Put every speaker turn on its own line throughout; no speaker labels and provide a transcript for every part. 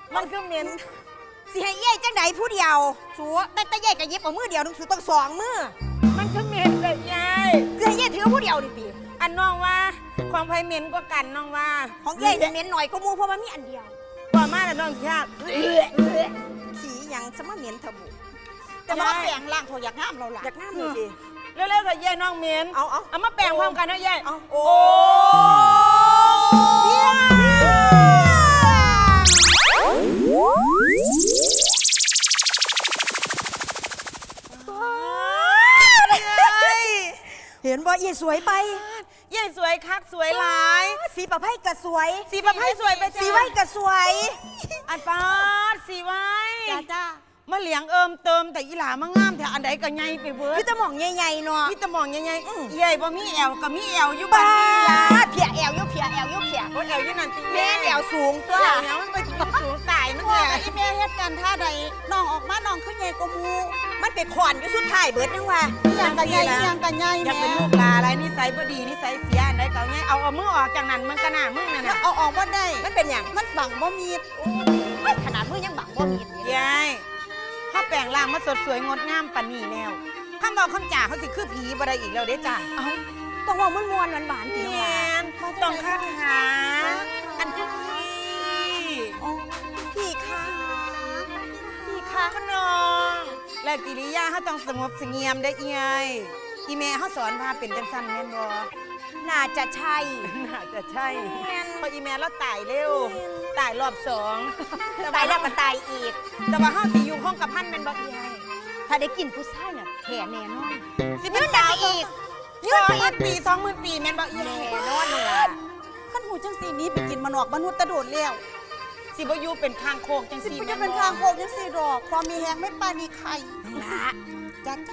มันคือเหม็น
สิให้เย่จังไหนผู้เดียวสัวแต่เย่กับยิบเอามือเดียวนึงสูต้องสองมือ
มันคือเหม็นเลยยาย
สิให้เย่ถือผู้เดียวดิปี
อันน้องว่าของไผเหม็นกว่ากันน้องว่า
ของเย่จะเหม็นหน่อยก็มูเพราะมันมีอันเดียว
ว่ามาแล้วน้องชาติ
ขี่ยังสมาเหม็นทะบุแต่ว่าแปลงร่างเขาอยากงามเราล่ะอยากงามเลยดิ
เร็วๆกับยายน้องเหม็น เอามาแปลงพร้อมกันนะยาย
โอ้ เห็นว่าเย่สวยไป
ยายสวยคักสวยหลาย
สีประไพ่ก็สวย
สีประไพ่สวยไปจ้ะ
สีไว้ก็สวย
อันปาดสีไว้
จ้า
มาเหลียงเอิมเติมแต่อีหลามางามแต่อันใดก็ใหญ่ไปเบิด
พี่ตะหม่องใหญ่ๆเนาะ
มีแต่มองใหญ่ๆใหญ่บ่มีแอวก็มีแอวอยู่
บ้า
บ้านนี่ล่ะ
เพียแอวยุเพียแอวยุเพีย
บ่แอวอยู่นั่นติ
แม่แอวสูงตัว
แอวมันไปสูงตายมัน
พ่อ
แห
กับ
ละ
อีแม่เฮ็ดกันท่าใดน้องออกมาน้องขึ้นใหญ่กว่าหมู
มันเป็นขอนอยู่สุดท้ายเบิดนังว่า
อีหยังกันใหญ่อีหยังกันใหญ่
อยาก
แม่
เป็นลูกหลาอะไรนิสัยบ่ดีนิสัยเสียอันใดก็ไงเอามือออกจากนั้นมันก็น่ามึงนั่นน่ะ
เอาออกบ่ได้
มันเป็นอย่าง
มันบังบ่มีด
ขนาดมือยังบังบ่มีด
ยายถ้าแปลงร่างมาสดสวยงดงามปานนี้แล้วคำบอกคำจ่าเขาสิคือผีบ่ได้อีกแล้วเด้จ้ะ
เอ้าต้องว่ามันมวนหวานๆ
แม
เดียวว่า
นต้องคาถาอันคือผี
โอ้พี่คะพี่คะ
ขนองและกิริยาเขาต้องสงบเสงี่ยมได้อีไงอีแม่เขาสอนพาเป็นจังซั่นแม่นบ่
น่าจะใช่
น่าจะใช่
แม่น
เพราะอีแม่เราตายเร็วตายรอบสอง
ตายแล้วก็ตายอีก
แต่ว่าเฮาสิอยู่ห้องกับพันแม่นบ่อีไง
ถ้าได้กินผู้ชายน่ะแผ่แน่นอน
สิเป็นสาวอีก20,000 ปี 20,000 ปีแม่นบ่อีไง
แน่นอนนั่นล่ะ
ขั้นหูจังสีนี้ไปกินมานอกมนุษย์ตะโดดแล้ว
สิบ่อยู่เป็นคางโคกจัง
สิ
ซี่
ไป
แม่
จะ
น
เป็น
บ่
ทางโคกจังสีดอกความมีแหงไม่ปานีไข่
นั่นล่ะ
จ้า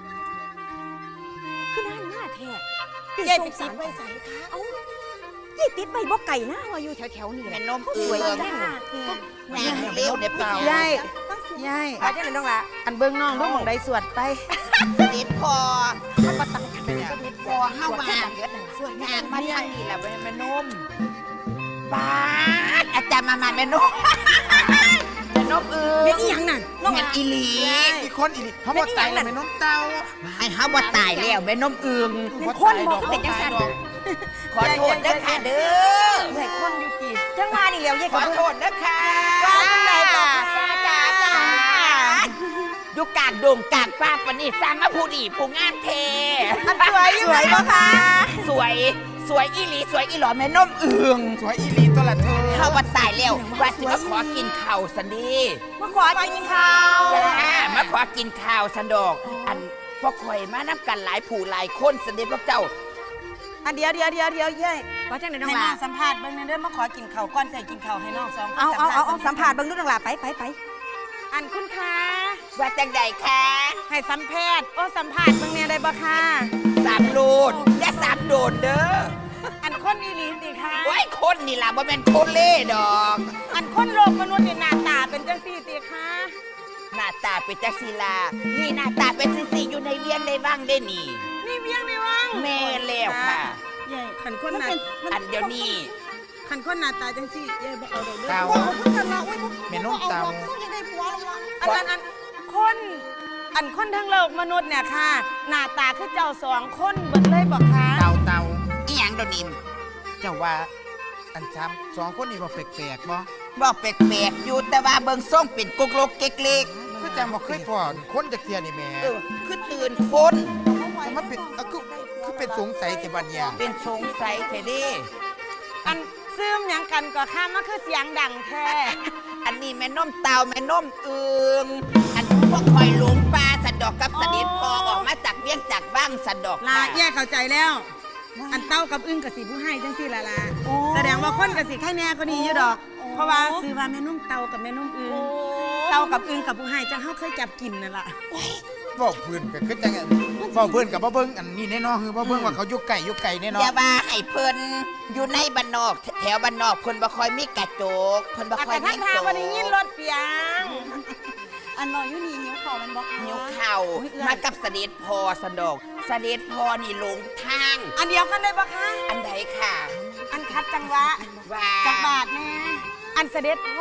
คือนั่นหน้าแท้
ยายไปติดไปใส่ค่ะ
เอ้ายี่ติดไปบ่ไก่นะว่าอยู่แถวๆนี่แห
แม่
ละ
นม
สวย
เอือง
จัง
แม่เลี้ยวเนี่ยเปล่าย
ายยาย
อาจจะเลยน้องละ
อันเบิ่งน้องเบิ่งหม่องใดสวดไป
นิดพอ
เขาก็ตั้งกันเลยก็นิด
พอเข้ามา
สวย
งานมาทางนี้แหละแม่นมป้าดอาจารย์มาแม่นมแม่นมเอือ
เป็น
ง
อีหยังนั่นน้อง
แม่นอีหลี
อีกคนอีกเขาบอกตายแล้วไม่น้องเต้า
ให้เขาว่าตายแล้วแม่นมเอือง
เป็นคนบอกเขาเป็นจังสัน
ขอโทษเด้อค่ะเด้อ
ใหญ่คนอยู่กี่
จังมานี่แล้วยี่
ขอโทษเด้อค่ะ
ว่าจังใดต่อค่ะ
จ้าจ้าอยู่กลางดงกลางป่าปะนี่สร้างมาผู้ดีผู้งามเท
อันสวยอยู่
สวยปะคะ
สวยสวยอีหลีสวยอีหลอแม่นมเอือง
สวยอีหลีตัวละเธอ
เขาว่าตายแล้วว่าสิมาขอกินข้าวสันดี
มาขอกินข้าว
จ้ามาขอกินข้าวสันดอก อันพวกข่อยมานับกันหลายผู้หลายคนสันดีพวกเจ้า
อันเดียวเย้ย
ขอจังไหนน้อง
ให้
ละ
น้องสัมภาษณ์เบิ่งเด้อมาขอกินข้าวก่อนใส่กินข้าวให้น้องสองคน
เอาสัมผัสเบิ่งดูน้องละไป
อันคุณคะ
ว่าจังใดคะ
ให้สัมภาษณ์สัมภาษณ์เบิ่งแน่ได้บ่คะ
สามโลดอย่าสามโดดเด้อ
อันคนอีหลีติคะ
ไว้คนนี่ล่ะบ่แม่นคนเล่ดอก
อันคนโลกมนุษย์นี่หน้าตาเป็นจังซี่ติคะ
หน้าตาเป็นจักศิลานี่หน้าตาเป็นสิอยู่ในเวียงในว่างได้นี่
นี่เวียงนี่วัง
แม่แล้วค่ะ
เย้ขันคน
มัน
หน้า
เป็น
อันเดี๋ยวนี้
ขันคนหน้าตาจังซี่เย้บ่เอาดอกเด้อ
เต้า
พ่อพูดกันละอุ้ย
แม่นมเต้า
สู้ยังได้ผัวแล้ววะ
อันคนทั้งโลกมนุษย์เนี่ยค่ะ หน้าตาคือเจ้าสองคนเบิดเลยบอกค่ะ
เต้าเต้า
อีหยังเดยวนิม
เจ้าว่าอันซ้ำสองคนนี้บ่แปลกๆบ่
บอกแปลกๆอยู่แต่ว่าเบิ่งส่งเป็นกุกลกเก๊กเล็ก
คือจังบ่เคยพอคนจากเทียนี่แหม่
คือตื่นคน
มันเป็นคือเป็นสงสัยแต่บัดเนี่ย
เป็นสงสัยแท้เดิ
อันซึมหยังกันก็ค่ะมันคือเสียงดังแท้
อันนี้แม่น้มเตาแม่น้มเอืองอันพวกคอยหลงปลาสันดอกกับสนิทพอออกมาจากเวียงจากบ้างสันดอก
ลา
ค่ะ
แยกเข้าใจแล้ว อันเต้ากับอึ้งกับสีผู้ให้จังสี่ละแสดงว่าคนกับสีไข่แน่ก็ดีอยู่ดอก เพราะว่าซื้อว่าแม่นุ่มเต้ากับแม่นุ่มอึ้งเต้ากับอึ้งกับผู้ให้จังเขาเคยจับกินนั่นแหละ
บอกเพื่อนก็คือจังบอกเพื่อนกับบ่เบิ่งอันนี้แน่นอนคือบ่เบิ่งว่าเขาอยู่ไกลแน่นอ
อย่าน ว่าให้เพิ่นอยู่ในบ้านนอกแถวบ้านนอกเพิ่นบ่ค่อยมีกระจกเพิ่นบ่
อา
ค่อย
แต่
มี
ทั้งทาง
โต๊ะ
วันนี้ยินรถเปียง
อันนอยอยู่นี่หิวข้าวมันบอก
นิ้วเข่ามากับเสด็จพอสันดอกเสด็จพอนี่หลงทาง
อันเดียวกันเลยปะคะ
อันใดค่ะ
อันคัดจังหวะ
ว่า
จักบาทแน่อันเสด็จพอ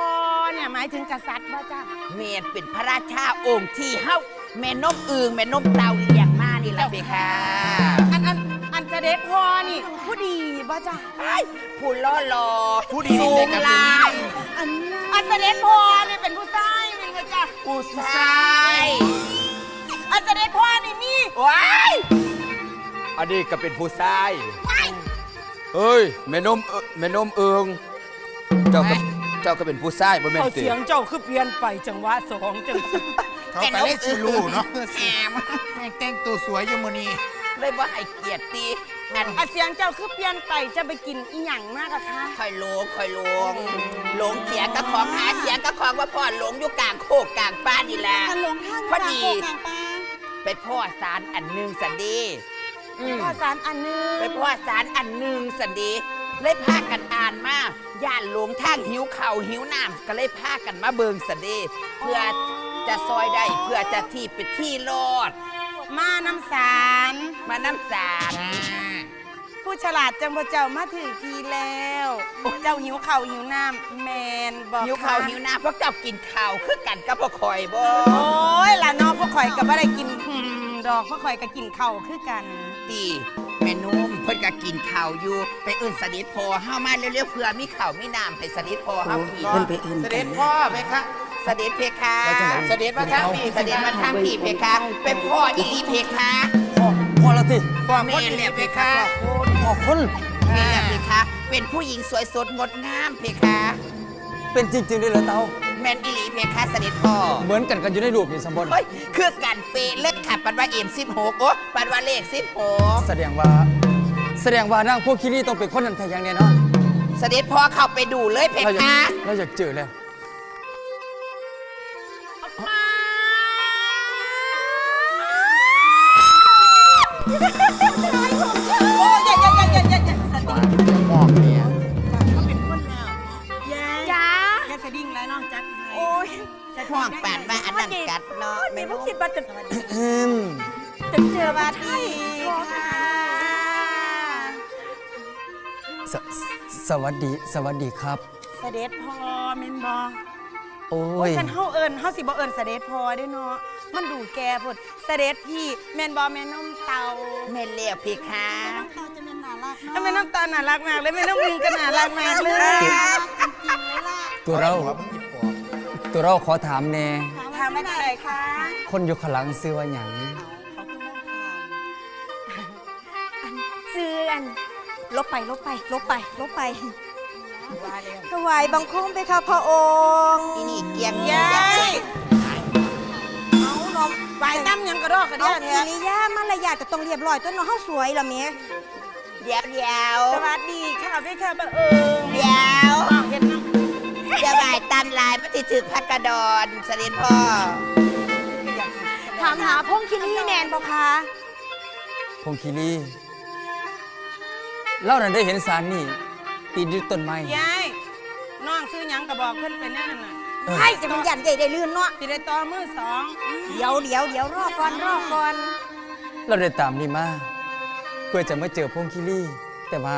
เนี่ยหมายถึงกษัตริย์บ่จ้า
เมนเป็นพระราชาองค์ที่เฮาแม่นมอึงแม่นมเตาเลี้ยงมานี่ล่ะเพคะ
อันเสด็จพ่อนี่ผู้ดีบ่จ้า
ไอ้ผู้ล่อหลอ
ผู้ดี
สู
นี่
ง
ใส่กระ
ลาย
อันเสด็จพ่อนี่เป็นผู้ชายแม่นบ่จ้า
ผู้ชาย
อันเสด็จพ่อนี่มี
ว้าย
อันนี้ก็เป็นผู้ชายเฮ้ยแม่นมแม่นมเอิงเจ้าก็เป็นผู้ชายบ่แม่น
เอา
ติ
เสียงเจ้าคือเปลี่ยนไปจังหวะสองจังสิ
เขาก็เลยสิรู้เนาะ
แอม
แต่งตัวสวยอยู่มื้อนี้
เลยบ่ให้เกียรติตีอัน
อันเสียงเจ้าคือเปลี่ยนไปจะไปกินอีหยังมากอะคะ
คอยหลงหลงเสียกับของหาเสียกับของว่าพ่อหลงอยู่กลางโคกกลางป่านี่แหละ
คันหลงทาง
พอดี
กลางป่า
ไปพ่อสารอันหนึงสันดีอืม
พ่อสารอันหนึง
ไปพ่อสารอันหนึงสันดีเลยพากันอ่านมาย่านหลงทางหิวเข่าวหิวน้ำก็เลยพากันมาเบิงสันดีเพื่อจะซอยได้เพื่อจะที่เป็นที่รอด
มาน้ำสาร
มาน้ำสาร
ผู้ฉลาดจังบ่เจ้ามาถือทีแล้วเจ้าหิวข้าวหิวน้ำแมนบอก
หิวข้าวหิวน้ำพวกเจ้ากินข้าวคือกันกับพ่อคอยบ่
โอ้ยล่ะน้องพวกข่อยก็บ่ได้กินดอกพวกข่อยก็กินข้าวคือกัน
ตีแม่นุ่มเพิ่นก็กินข้าวอยู่ไปเอิ้นสนิทพอเฮามาเร็วๆเพื่อมีข้าวมีน้ำให้สนิทพอเฮากิน
เสด็จพ่อไหมคะ
เสด็จเพคะ
เสด็จมาทางนี้
เสด็จมาทางพี่เพคะเป็นพ่ออีหลีเพคะ
พอแล้วติ
พ่อค
แม่
น
แหละเพคะ
พอคน
แม่แหละเพคะ เป็นผู้หญิงสวยสดงดงามเพคะ
เป็นจริงๆด้วยเหรอเตา
แม่นอีหลีเพคะเสด็จพ่อ
เหมือนกันอยู่ในรูปนี่สมบูรณ์
เฮ้ยคือกันเปะเล็กค่ะปันว่า16โอ้ปันว่าเลข16
แสดงว่านางพวกคิรีต้องเป็นคนนั้นแท้อย่างแน่นอน
เสด็จพ่อเข้าไปดูเลยเพ
เราอยา
คะ
กเราอยากเจอแล้ว
โอ้ยอย่าสติ
มองเนี่ย
เขาเป็นคนแล้วยาย
จ้า
แค่สดิ้งแล้วน้องจัดให้
โอ้ย
ห่วงปานว่าอันนั้นกัดเนาะ
ไม่
แม่
รู้
นุ่ม
คิดว่าจะ
จะเจอมาที่ค่ะ
สสวัสดีครับ
เสด็จพ่อแม่นบ่
โอ้
โอ้
ย
ยคันเฮาสิบ่เอิ้นเสด็จพ่อเด้เนาะมันดูแก่พุ่นเสด็จพี่แม่นบ่แม่นมเตา
แม่เลี้ยวเพคะ
เราจะเป็นน่ารัก
แล้วแม่น้ำตาลน่ารักมากเลยแม่น้ำมิงก็น่ารักมากเลย
จริงๆเลยล่ะ
ตัวเรา
หัวมึงหยิบปอก
ตัวเราขอถามแน่
ถามไม่ได้ค่ะ
คนอยู่ข้างหลังซื้อว่าหยัง
เขาคือมองผ่าน
เสื่อนลบไปถวายบังคมไปค่ะพระองค์
อีนี่เกียง
ยาย
เอาน้อง
ไปตั้มยังกระดอกกระ
เอา
เดีย
กิริยามารยาทก็ต้องเรียบร้อยตัวน้องเฮาสวยล่ะแม่
เดี๋ยว
สวัสดีค่ะพี่ค่ะบังเอิญ
เดี๋ยว
เห็นน้ำ
จะบ่ายตามลายพระติถึกพักกระดอนเสด็จพ่อ
ถามหาพงคิรีแมนบ่คะ
พงคีรีเรานั้นได้เห็นสารนี่ปีนอยู่ต้นไม้
ยายน้องซื้อหยังกระบอกเพิ่นเป็นแน่นอนน่ะ
ให้จะมันยันใหญ่ได้ลื่นเนาะ
สิได้ต่อมือสอง
เดี๋ยวรอก่อน
เราได้ตามนี่มาเพื่อจะมาเจอพงคีรีแต่ว่า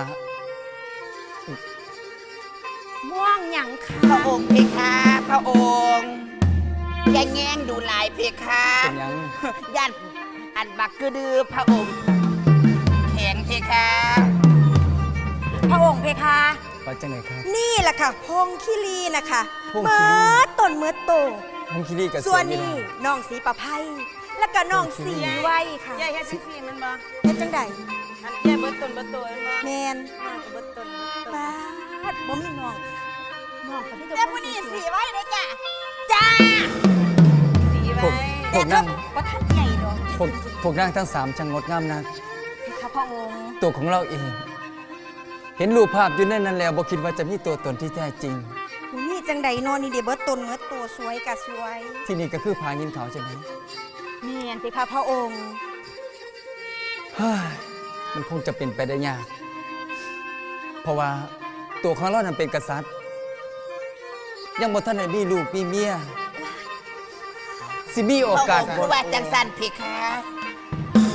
ม่วงหยังคะ
พระองค์เพคะพระองค์แย่งแง่งดูหลายเพคะ
เป็นหยัง
ย่านอันบักกระดือพระองค์แข็งเพคะ
พระองค์เพคะ
ว่าจังไหนครับ
นี่แหละค่ะพงคิรีนะคะ
พงคิรี
เมื่อต้นเมื่อโต
พงคีรีกับ
ส่วน
อยู่
นี้
นะ
น้องสีประไพแล้วก็น้องสีไว้ค่ะ
ยายเฮ็ดจังซี่มันบ่
เฮ็ดจังใด
อันยายเบิดต้นเบิดตัวมันบ่
แมน
น้องก็เบิดต้นเบิดตัว
ป้าดบ่มีน้องน้องก็มีแต่
แล้ว
ค
ผู้
น
นี้
ส
สี
วย
ไว้เลยจ้ะ
จ้า
สีไว้
พวกนั่ง
ว่าท่านใหญ่ดอก
พวกนั่งทั้งสามช่างงดงามนะ
ค่ะพระองค์
ตัวของเราเอง เห็นรูปภาพอยู่ในนั้นแล้วบ่คิดว่าจะมีตัวตนที่แท้จริง
บ่มีจังใดนอนนี่เดี๋ยวเบิดต้นเมื่อโตสวยกะสวย
ที่นี่ก็คือผายินเขาใช่ไหม
แม่นเพคะพระองค์
เฮ้ยมันคงจะเป็นไปได้ยาก เพราะว่าตัวของเรานั้นเป็นกษัตริย์ ยังบ่ทันได้มีลูกมีเมียสิมีโอ
พระ
กา
อ
ส
งค์ผู้ว่าจังสันเพคะ
พ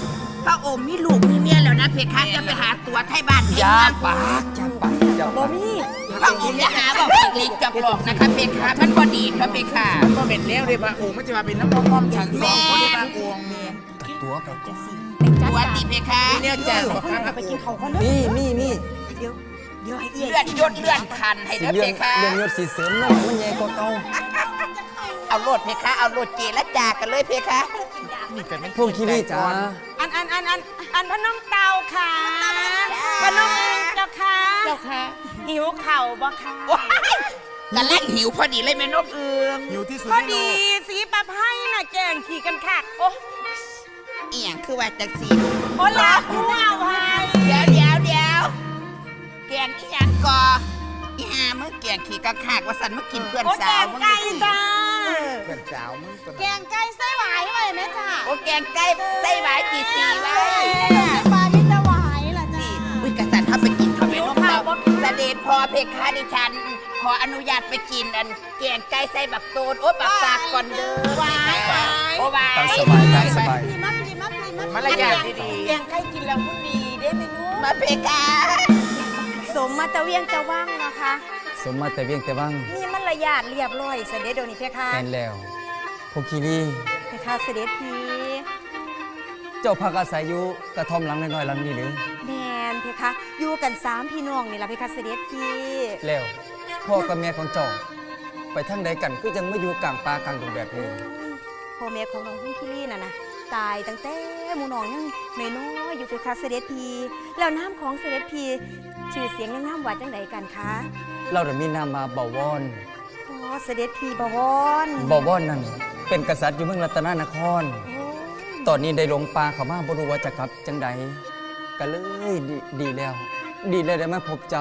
พระองค์มีลูกมีเมียแล้วนะเพคะจะไปหาตัวไทยบ้านไทย
อย่า
เมือง
ปากอย่าปากอย่าปาก
พระองค์อย่าหาบอกอีกลิกจับหลอกนะคะเพคะมันพอดีพระเพคะ
มันก็เป็นแล้วเลยพระองค์ไม่จะมาเป็นน้ำมันความฉันสองคนในพระองค์
ตัวไป
ตัวตีเพคะ
เนี่ยแจ้งบอกครับ
ไปกินเขาก่อนเด้อ
นี่
เดี๋ยวให้เอีย
เลื่อนยศเลื่อนคันให้
สิ
เด้อ
เรื่
เพ
อง
คะ
เรื่องยศสีเสริมน้อยมันใหญ่กว่าเก่า
เอาโลดเพคะเอาโลดเจรจากันเลยเพคะ
นี่กันเป็น
พวกคิริจ้า
อันพน้องเตาค่ะพน้องอึ้งเจ้าค่ะเจ้าค่ะหิวเข่าบ่ค่ะ
ว้ายกำลังหิวพอดีเลยแม่นกเอือง
อยู่ที่สุด
พอ
ในโล
ดี
ก
สีปะไพ่น่ะแกงขี่กันค่ะโอ้
อีหยังคือว่าจังสี
โอ้ลาหัวเอาไว้
เดี๋ยวแกงอีหยังกออีหามึงแกงขี่กระขากว่าสันมากินเพื่อน
โอ้
สา
แก
ว
ง
มึง
ไก่จ้า
เพื่อนสาวมึงตัว
แกงไก่ไส้หวายไว้ไหมจ้า
โอ้แกงไก่ใส่หวายกี่สีไว้
ปลาที่จะหวายล่ะจ้า
นี่อุ้ยกษัตริย์ถ้าไปกินทำไมนกเราเสด็จพอเพคะดิฉัน ขออนุญาตไปกินอันแกงไก่ใส่บักโตนโอ้บักซากก่อนเด้อโอ้วาย
ตามสบายตามสบาย
พี่มักพี่มักพี่มัก
มารยาทดี
แกงไก่กินแล้วมันดีได้ไหมลูก
มาเพคะ
สมมาตะเวียงตะว่างนะคะ
สมมาแต่เวียงแต่วัง
มีมารยาทเรียบร้อยเสด็จเดี๋ยวนี้เพคะ
แม่นแล้วพวกคิริ
เพคะเสด็จพี
เจ้าพักอาศัยอยู่กระท่อมหลังน้อยๆหลังนี้หรือ
แมนเพคะอยู่กัน3พี่น้องนี่ล่ะเพคะเสด็จพี
แล้วพ่อกับแม่ของเจ้าไปทางใดกันคือยังไม่อยู่กลางป่ากลางดงแบบนี้
พ่อแม่ของน้องพุ่มพี่ลี่น่ะนะตายตั้งแต่หมูน้องยังน้อยๆอยู่เพคะเสด็จพีแล้วน้ำของเสด็จพีชื่อเสียงในน้ำวัดจังใดกันคะ
เราได้มีนามมาเบาวอน
อ๋อเสด็จพีบวร
เบาวอนนั่นเป็นกษัตริย์อยู่เมืองรัตนนคร
โอ้
ตอนนี้ได้หลงป่าเขามาบ่รู้ว่าจะกลับจังใดก็เลยดีแล้ว ดีเลยได้มาพบเจ้า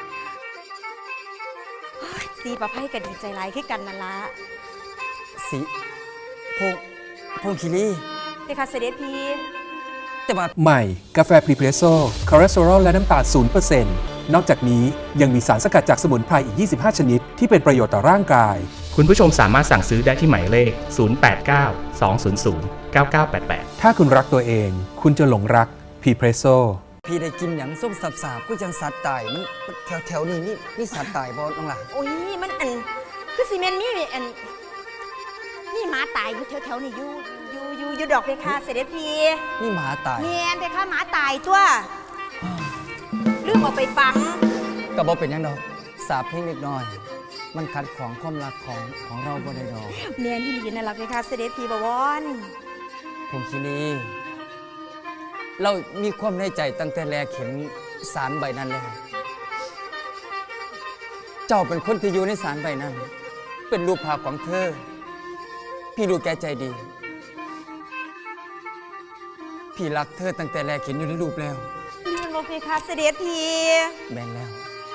สีประไพ่ก็ดีใจร้ายขึ้นกันนั่นละ
สิพวกคิริ
เพคะเสด็จพี
แต่ว่า
ใหม่ กาแฟพรีเพรสโซ่คอเลสเตอรอลและน้ำตาล0%นอกจากนี้ยังมีสารสกัดจากสมุนไพรอีก 25 ชนิด ที่เป็นประโยชน์ต่อร่างกาย
คุณผู้ชมสามารถสั่งซื้อได้ที่หมายเลข 089 200 9988
ถ้าคุณรักตัวเอง คุณจะหลงรักพรีเพรสโซ่
พี่ได้กินหยังส้มสาบๆก็ยังสัตว์ตายมันแถวนี้นี่สัตว์ตายบ่น้องหล่ะ
โอ้ยมันคือซีเมนมีนี่หมาตายอยู่แถวๆนี่อยู่ดอกเพคะเสด็จพี
นี่หมาตาย
เมียนเพคะหมาตายทั่วลืมเอาไปฝัง
ก็บ่เป็นหยังดอกสาบเพียงเล็กน้อย มันขัดขวางความรักของเราบ่ได้ดอก
เมียนที่ดีนั่นล่ะเพคะเสด็จพีบวร
พงคิรีเรามีความในใจตั้งแต่แรกเห็นสารใบนั้นแล้ว เจ้าเป็นคนที่อยู่ในสารใบนั้น เป็นรูปภาพของเธอ พี่รู้แก่ใจดี พี่รักเธอตั้งแต่แรกเห็นอยู่ในรูปแล้ว
เมียนบอกเพคะเสด็จพี
แม่นแล้ว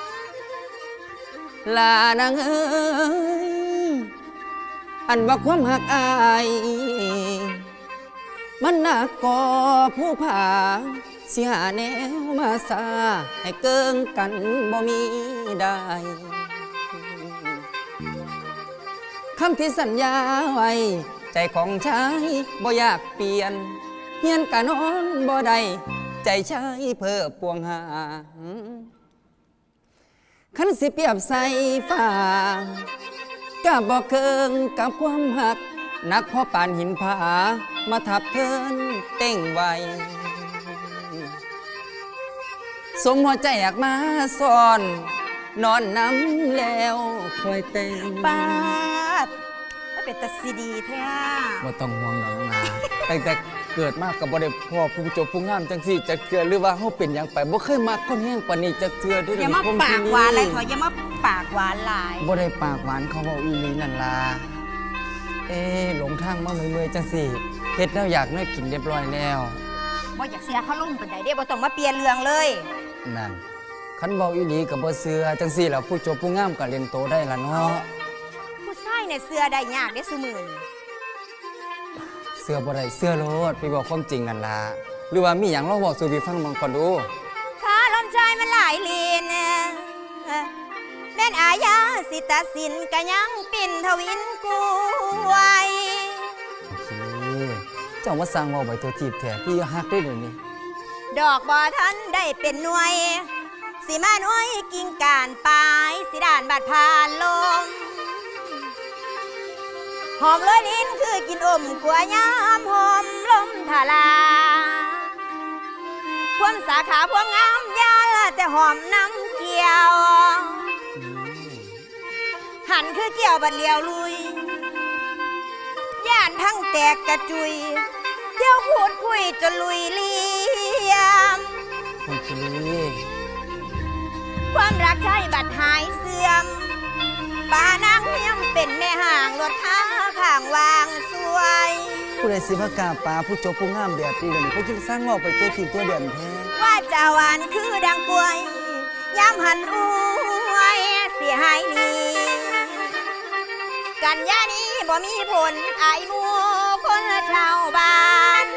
ลานางเอ้ยอันว่าความหักอาย มันหนักก่อผู้ผาเสียแนวมาซาให้เกิงกันบ่มีได้คำที่สัญญาไว้ ใจของชายบ่อยากเปลี่ยนเฮียนกะนอนบ่ได้ใจชายเพ้อปวงหาคันสิเปรียบใส่ฟ้าก็บ่เกิงกับความหักนักพอปานหินผามาทับเทินเต้งไวสมหัวใจอยากมาซ่อน นอนน้ำแล้วคอยเต้ง
ปาดมันเป็นตาซีดีแท้
บ่ต้องห่วงดอกนะตั้งแต่เกิดมากกับบ่ได้พ่อผู้จบผู้งามจังสี่จะเกิดหรือว่าเฮาเป็นหยังไปบ่เคยมักคนแห้งปานนี้จักเทื่อเด้อ
อย่ามา
ผม
ปากหวานเลยเถอะอย่ามาปากหวานหลาย
บ่ได้ปากหวานเขาเว้าอีหลีนั่นล่ะหลงทางมาเมื่อยๆจังสี่เฮ็ดแล้วอยากน้อยกินเรียบร้อยแล้ว
บ่อยากเสียเขาลุ่มเป็นไดเด้บ่ต้องมาเปลี่ยนเรื่องเลย
นั่นคันเว้าอีหลีก็บ่เชื่อจังสี่แล้วผู้จบผู้งามก็เล่นโตได้ล่ะเนาะ
ผู้ชายเนี่ยเสื้อได้ยากเด้ซุมื้อนี้
เชื่อบ่ได้เชื่อโลดพี่บอกความจริงนั่นล่ะหรือว่ามีหยังลองเว้าสู่พี่ฟังบ้างก่อนดู
ขาลมชายมันหลายเลนแม่นอาญาสิตัดสินก็ยังปิ่นทวินกูไว้
โอเคเจ้ามาสร้างเว่าไว้ตัวจีบแท้พี่ฮักได้เดี๋ยวนี้
ดอกบ่ทันได้เป็นหน่วย สิมาหน่วยกิ่งการปลายสิด่านบาดผ่านลมหอมเลยลิ้นคือกินอมกัวยามหอมลมทาลาพวงสาขาพวงงามยาละแต่หอมน้ำเกี่ยว หันคือเกี่ยวบัดเลียวลุยย่านทั้งแตกกระจุยเที่ยวพูดคุยจนลุยเลียม
พงคีรี
ความรักใช่บัดหายเสื่อมป่านางเมียมเป็นแม่ห่างรถท้าข้างวางสวย
ผู้ใดสิมากราบปลาผู้จบผู้งามแบบนี้เดี๋ยวนี้เขาคิดสร้างเว่าไปตัวจีบตัวเด่นแท้
ว่าจะหวานคือดังกล้วยย้ำหันอวยเสียหายนี้กันยานี้บ่มีผลอายหมูคนชาวบ้าน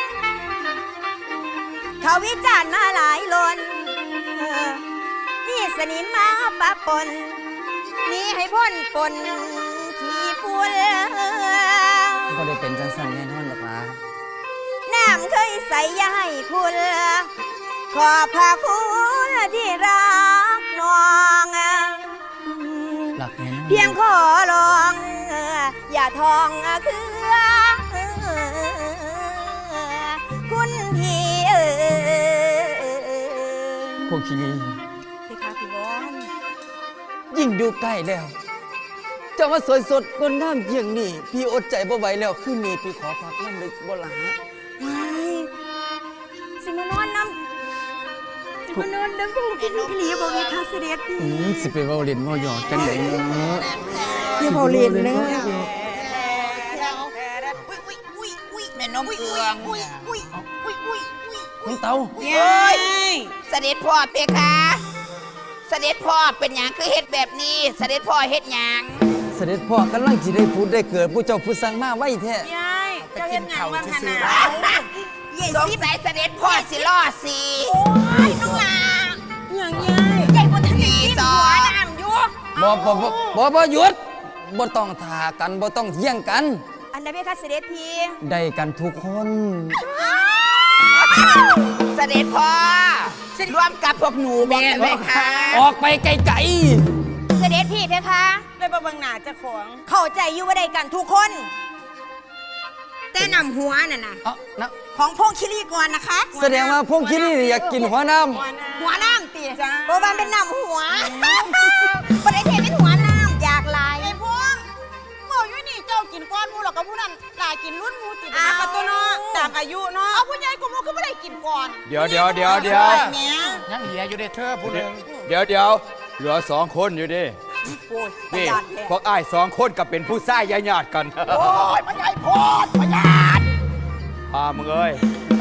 เขาวิจารณ์มาหลายลนนี่สนิมมาปะปนนี่ให้พ้นปนขี้ฝุ่น
ก็ได้เป็นจังสันแน่นอนหรอกล่ะ
น้ำเคยใส่ยาให้คุณ ขอบพระคุณที่รักน้อง
หลักแน่นอน
เพียงขอลองอย่าทองคือคุณพี่
พวกคีรี
พี่คะพี่บอล
ยิ่งดูใกล้แล้ว เจ้ามาสวยสดงดงามเยี่ยงนี่พี่อดใจบ่ไหวแล้วคืนนี้พี่ขอพักน้ำเลยบ่หลา
ว้ายสิมานอนน้ำสิมานอนน้ำพุ่งพี่หลีบอกเลยค่ะเสด็จพี่
สิไปเว้าเล่นเว้าหยอกจังไดเนาะ
อย่าเว้าเล่นเด้อ
แม่นมเอือง
น้องเตา
เย้ย
เสด็จพ่อเพคะเสด็จพ่อเป็นหยังคือเฮ็ดแบบนี้ เสด็จพ่อเฮ็ดหยัง
เสด็จพ่อกำลังสิได้พูดได้เกิดผู้เจ้าผู้สั่งมาไว้แท้
ยายเจ้าเฮ็ดหยังว่าขนาด
สงสัยเสด็จพ่อสิล่อสิ
โอ้ยน้องลา
อย่างยาย
ใหญ่กว่าทะเล
พี่
ที่
สอ
หัวน้ำอยู่
บ่หยุดบ่ต้องท่ากันบ่ต้องเที่ยงกัน
อันนั้นเป็นค่ะเสด็จพี่
ได้กันทุกคน
เสด็จพ่อร่วมกับพวกหนูแม่ไหมคะ
ออกไปไกล
เสด็จพี่เพคะ
เลยบ่เบิ่งหน้าเจ้าของ
เข้าใจอยู่ว่าได้กันทุกคน แต่นำหัวน่ะนะ
ๆเอ้านะ
ของพงคิรีก่อนนะคะ
แสดงว่าพวกคิดนี่อยากกินหัวน้ำ
หัวน้ำตี
จ้า
โบราณเป็นนำหัวประเทศเป็นหัวน้ำอยากลาย
ไอ้พวงเมื่ออยู่นี่เจ้ากินก้อนหมูหรอกกับผู้นั้นหลายกินรุ่นหมูติด
อ่ะกับตัวเนาะตามอายุเนาะ
เอาผู้ใหญ่กูมูก็ไม่ได้กินก่อน
เดี๋ยว
แหม่
ยังเหลืออยู่ในเธอผู้หนึ่งเดี๋ยวเหลือ2 คนอยู่ดิ
โอ้ยประ
นี่
หยัดแท้
พวกอ้าย2 คนกับเป็นผู้ชายญาติกัน
โอ้ยมันใหญ่โพดพยาน
พามึงเอ้ย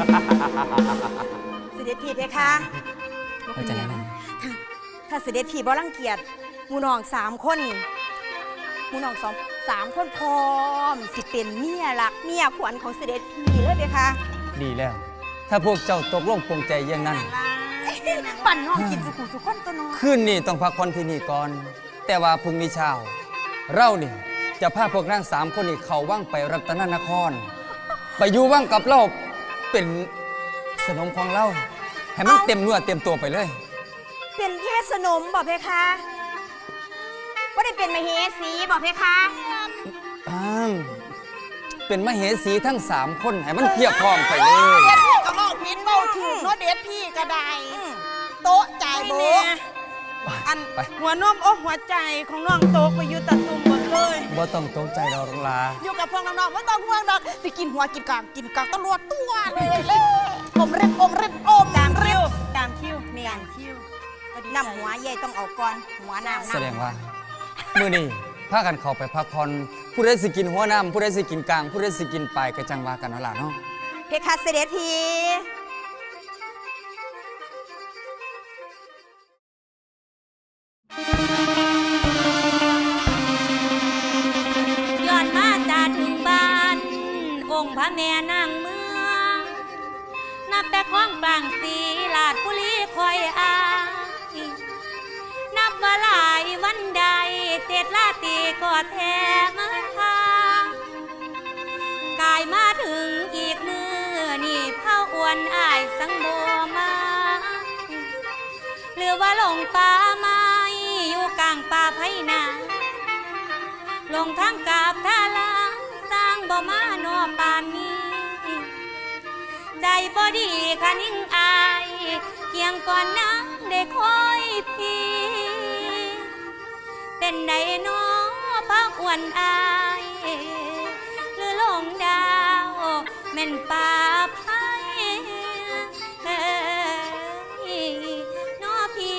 เสด็จพี่เพคะ
เข้าใจแล้วนะ
ถ้าเสด็จพี่บ่รังเกียจหมูน้อง3 คนนี่หมูน้อง3 คนพร้อมสิเป็นเมียรักเมียขวัญของเสด็จพี่เลยเพคะ
ดีแล้ว ถ้าพวกเจ้าตกลงปรงใจอย่างนั้น
ปั่นน้องกินสุขุสุขคนตัวน้อง
คืนนี้ต้องพักผ่อนที่นี่ก่อน แต่ว่าพรุ่งนี้เช้า เรานี่จะพาพวกนาง3 คนนี้เข้าว่างไปรัตนนคร ไปอยู่ว่างกับเราเป็นสนมของเรา ให้มันเต็มเนื้อเต็มตัวไปเลย
เป็นแค่สนมบอกเพคะว่าได้เป็นมเหสีบอกเพคะ
เป็นมเหสีทั้ง3 คนให้มันเพียบพร้อมไปเลย
เด็ดพี่ก็บอกพิษเบาถูกเนาะเด็ดพี่ก็ได้โต๊ะจ่ายโบะ
อัน
ไป
หัวนมหัวใจของน้องโตกไปอยู่ตัดตุ่มหมดเลย
บ่ต้องตกใจเราหรอกลา
อยู่กับพวกน้องๆไม่ต้องห่วงดอกสิกินหัวกินกลางกินกลางตำรวจตัวเลยอมเร็บอม
ตาม
เร็
คิ
บ
วตามคิว
เมียน
คิว
น้ำหัวใหญ่ต้องเอาก่อนหัวน้ำ
แสดงว่า มื้อนี้พากันเข้าไปพักผ่อนผู้ใดสิกินหัวน้ำผู้ใดสิกินกลางผู้ใดสิกินปลายก็จังว่ากันเอาล่ะเนาะ
เพคะเสด็จพี่ย้อนมาจาถึงบ้าน องค์พระแม่นางเมือง นับแต่ของกลางสีลาดบุรีคอยอายนับว่าหลายวันใด7 ราตรีก็แท้มาทางกายมาถึงอีก1 สังบ่มาหรือว่าหลงป่าไม้อยู่กลางป่าไผนาลงทางกาบทาลาสร้างบ่มานอป่านนี้ใจบ่ดีคะนิ่งอายเกียงก่อนนั้นได้คอยพี่เป็นใดน้อพักอ้วนอายหรือลงดาวแม่นป่าไผน้อพี่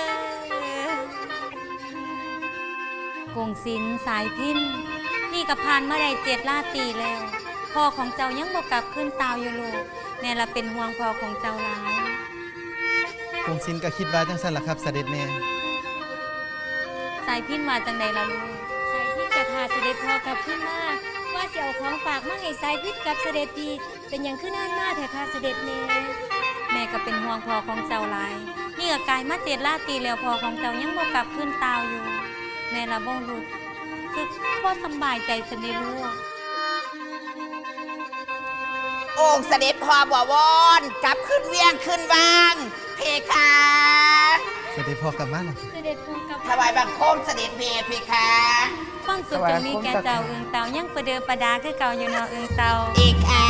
กงศิลสายพินนี่ก็ผ่านมาได้7 ราตรีแล้วพ่อของเจ้ายังบ่กลับขึ้นตาวอยู่ลูกแม่ละเป็นห่วงพ่อของเจ้าหลาย
กงศิลก็คิดว่าจังซั่นล่ะครับเสด็จแม่
สายพินมาจังใดล่ะลูกสายพินกับพาเสด็จพ่อกลับขึ้นมาว่าสิเอาของฝากมาให้สายพินกับเสด็จพี่เป็นอย่างขึ้นนานมาแท้ค่ะเสด็จแม่แม่ก็เป็นห่วงพ่อของเจ้าหลายนี่ก็กลายมา7 ราตรีแล้วพ่อของเจ้ายังบ่กลับขึ้นตาวอยู่แม่ละบ่รู้สึกบ่สำบายใจสันได้ลูก
องค์เสด็จพ่อบ่วอนกลับขึ้นเวียงขึ้นวางเพคะ
เสด็จพ่อกลับมาแล้ว
เสด็จพ่อกลับ
ถวายบังคมเสด็จเมเพคะ
ความสุขจงมีแก่เจ้าเอิงเตายังประเดิมประดาคือเก่าอยู่เนาะเอิงเตา
เอกค่ะ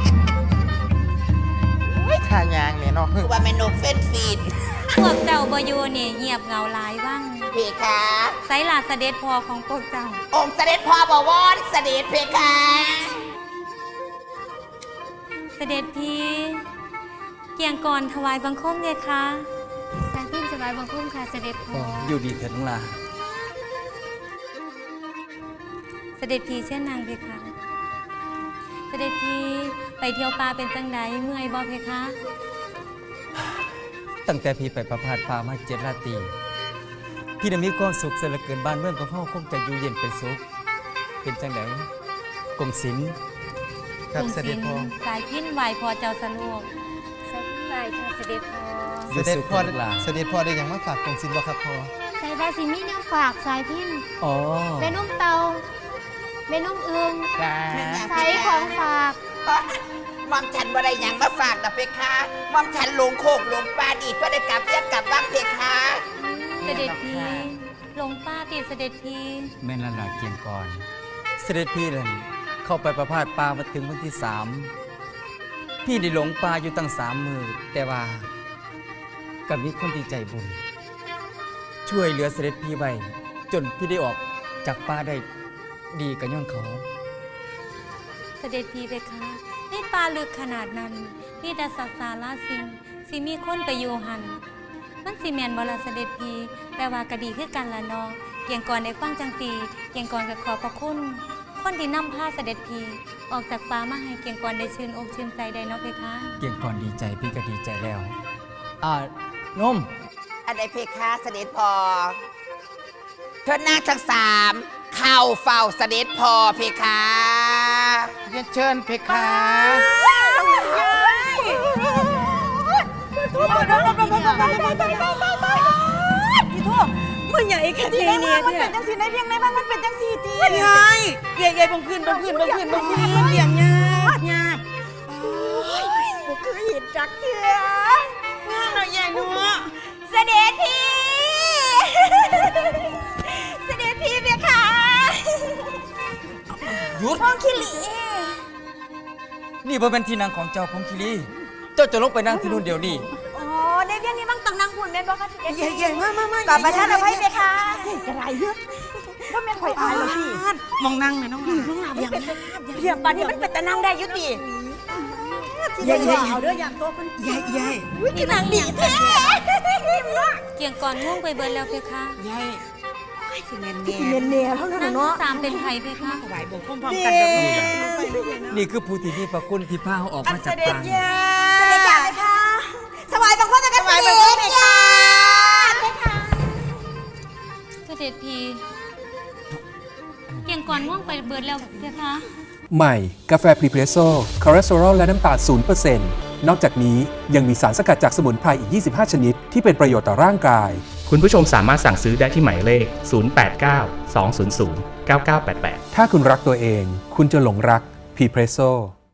ท่ายางแม่เนาะ
คือว่าเมนูเฟนฟีด
พวกเจ้าบ่อยู่นี่เงียบเหงาหลายว่าง
เพคะ
ไสล่ะเสด็จพ่อของพวกเจ้า
องค์เสด็จพ่อบ่วอนเสด็จเพคะ
เสด็จพี่เกียงก่อนถวายบังคมเลยค่ะสายพินถวายบังคมค่ะเสด็จพ่อ
อยู่ดีเถิดน้องลา
เสด็จพี่เช่นนางเพคะเสด็จพี่ไปเที่ยวป่าเป็นจังไดเมื่อยบ่เพคะ
ตั้งแต่พี่ไปประพาสป่ามา7 ราตรีพี่ได้มีความสุขเสียเหลือเกินบ้านเมืองของเฮาคงจะอยู่เย็นเป็นสุขเป็นจังไดกงศิล
ครับเสด็จพ่อ
สายพินไหวพอเจ้าสะลวกสายพินไหวค่ะเสด็จพ่อ
เสด็จพ่อ
ลูกหลาน
เสด็จพ่อได้หยังมาฝากกงศิลบ่ครับพ่อ
ใส่บาสิมีแนวฝากสายพิน
อ๋อ
แม่นุ่มเตาแม่นุ่มเอือง
จ้า
ใส่ของฝาก
มอมฉันบ่ได้หยังมาฝากนะเพคะมอมฉันหลงโคกหลงปลาดีก็ได้กลับเรียกกลับบ้างเพคะ
เสด็จพี่หลงป้าติดเสด็จพี่
แม่นละลาเกียงก่อนเสด็จพี่นั่นเข้าไปประพาสป่ามาถึงวันที่3พี่ได้หลงป่าอยู่ตั้ง3 มื้อแต่ว่าก็มีคนที่ใจบุญช่วยเหลือเสด็จพี่ไว้จนพี่ได้ออกจากป่าได้ดีกับย้อนเขา
เสด็จพี่เพคะในป่าลึกขนาดนั้นมีแต่สัตว์สาราสิมีคนไปอยู่หันมันสิแมนบ่ล่ะเสด็จพี่แต่ว่าก็ดีคือกันละเนาะเกียงก่อนได้ฟังจังสีเกียงก่อนก็ขอบพระคุณคนที่นำพาเสด็จพี่ออกจากป่ามาให้เกียงก่อนได้ชื่นอกชื่นใจได้เนาะเพคะ
เกียงก่อนดีใจพี่ก็ดีใจแล้วนม
อันใดเพคะเสด็จพ่อเทิดนาคทั้ง3เข้าเฝ้าเสด็จพ่อเพคะ
เรียนเชิญเพคะ
มึงใหญ่แค่
ที่
นี้
ใน
เนี่
เมือย งมันเป็นจังสีในเพียงในบ้านมันเป็นจังสีตี
ใหญ่ใหญ่บังคืนเลี้ยงยาก
ผมคือหินจักเถื่อง
านเราใหญ่เนาะ
เสด็จพี่ เสด็จพี่เบียค่ะ
หยุด
พ่อคิริ
นี่บ่เป็นที่นั่งของเจ้าพงคิรีเจ้าจะลงไปนั่งที่นู่นเดี๋ยวนี้
อ๋อในเพียงนี้บ้างต้องนั่งหุ่นแม่นบ่คะ
ใหญ่มาก
กลับประทานอภัยเบียค่ะกระไรเยอะว่าแม่นข่อยอายแล้วพี่
มองนั่งไหมน้องหลา
เพียงปานนี้มันเป็นแต่นั่งได้อยุติ
ใหญ่
เอาเด้ออย่างตัวคน
ใหญ่
อุ้ยคือนางดีแท้
เกียงก่อนง่วงไปเบิดแล้วเพคะ
ใหญ่สิเมน
สิเนียนเนียเท่านั้น
นั่ง
เนาะ
สามเป็นไผเพคะ
ถวายบงคมพร้อมกันแบบนี้
นี่คือผู้ที่มีพระคุณที่พาเขาออกมาจากป่า
เสด็จจ่าเลยค่ะสวายบังคับกันเสด็จเลยค่ะ
เสด็จพี่เกียงก่อนง่วงไปเบิดแล้วเพคะ
ใหม่ กาแฟพรีเพรสโซ่คอเลสเตอรอลและน้ำตาล 0% นอกจากนี้ยังมีสารสกัดจากสมุนไพรอีก 25 ชนิด ที่เป็นประโยชน์ต่อร่างกาย
คุณผู้ชมสามารถสั่งซื้อได้ที่หมายเลข 089 200 9988
ถ้าคุณรักตัวเอง คุณจะหลงรักพรีเพรสโซ่